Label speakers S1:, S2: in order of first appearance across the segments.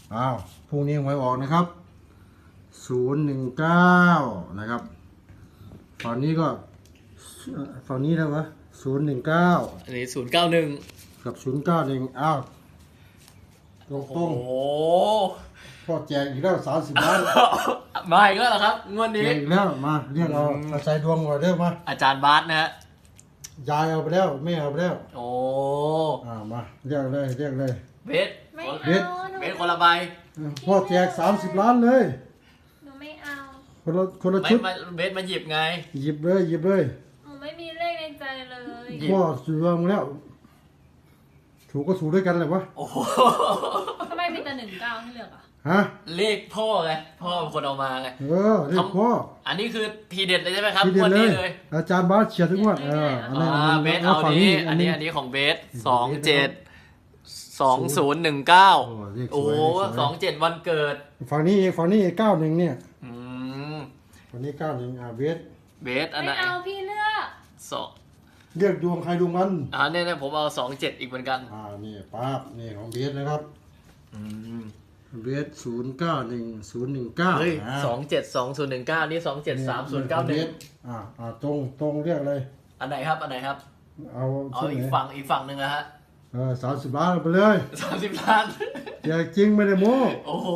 S1: พรุ่งนี้หวยออกนะครับ019นะครับฝั่งนี้ก็ฝั่งนี้แล้ววะ019
S2: อันนี้091
S1: กับ091ตรง
S2: โอ้โห
S1: พ่อแจกอีกแล้ว30 ล้าน
S2: มาอีกแล้วเหรอครับงวด
S1: แจ
S2: นี้
S1: กอีกแล้วมาเรียกเอาใส่ดวงก่อนเร็วมา
S2: อาจารย์บาสนะฮะ
S1: ยายเอาไปแล้วแม่เอาไปแล้ว
S2: โอ้
S1: มาเรียกเลย
S2: เบส
S3: ไม่เอา
S1: เบ็ด
S2: เบสคนละใบ
S1: พ่อแจก30 ล้านเลย
S3: หนูไม่เอา
S1: คนละ
S2: ไม่
S1: ชุด
S2: มาเบสมาหยิบไง
S1: หยิบเลย
S3: หนูไม่มีเลขในใจเลย
S2: หยิบ
S1: พ่อสูดวงแล้วถูกก็สูดด้วยกันเลยวะ
S2: โอ้โห
S3: ทำไมมีแต่19ให้เลือกอ่ะ
S1: ฮะ
S2: เลขพ่อไงพ่อเป็นคนเอามาไง
S1: เรียกพ่อ
S2: อันนี้คือทีเด็ดเลยใช่ไหมครับ
S1: ทีเด็
S2: ง
S1: ด
S2: วด
S1: เล
S2: นี้
S1: ย
S2: เลย
S1: อาจารย์บาสเฉียดทุกงวดอันนี้
S2: เบส
S1: เอา
S2: เอา
S1: ฝั่ง
S2: นี้
S1: นี้
S2: อันนี้ของเบส27 2019
S1: เลขส
S2: โอ้
S1: วย
S2: โห
S1: เลขสวย
S2: 27วันเกิด
S1: ฝั่งนี้91เนี่ย
S2: อืม
S1: ฝั่งนี้91เบส
S2: เบสอันไหน
S3: ไม่เอาพี่เลือก
S2: สอง
S1: เรียกดวงใครดวงมัน
S2: เนี่ยผมเอา27อีกเหมือนกัน
S1: นี่ป๊าบนี่ของเบสนะครับ
S2: อืม
S1: เบส011019
S2: เฮ้ย272019นี่273091
S1: ตรงเรียกเลย
S2: อันไหนครับอันไหนครับ
S1: เอา
S2: เอา
S1: ชุด
S2: อี
S1: ไห
S2: ก
S1: น
S2: ฝั่งหนึ่งนะฮะ
S1: 30 ล้านไปเลย
S2: 30ล้าน
S1: อย่าจริงไม่ได้โม้
S2: โอ้โห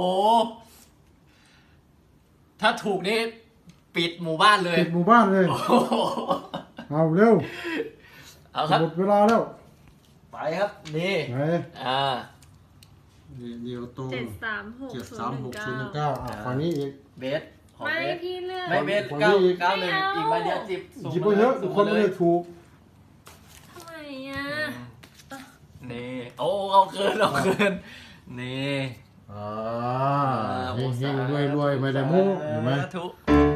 S2: ถ้าถูกนี่ปิดหมู่บ้านเลย
S1: ปิดหมู่บ้านเลย
S2: โอ้โห
S1: เอาเร็ว
S2: เอาครับ
S1: หมดเวลาแล้ว
S2: ไปครับนี่
S1: ไหน นี่เดียวตรง
S3: 736019
S1: ฝั่งนี้อีก
S2: เบสของ
S3: ไม่
S2: เบส
S3: พี่เลือก
S2: ไม่เบส
S1: คน
S2: เก้า
S1: นี้อีก
S2: เก้าหนึ่งอีกใบเดียว10
S1: หยิบไปเยอะทุกคนไม่ได้ถูก
S3: ทำไมอ่ะ
S2: นี่โอ้เอาคืนนี่
S1: เฮงๆรวยๆไม่ได้โม้เห็นไหม
S2: สาธุ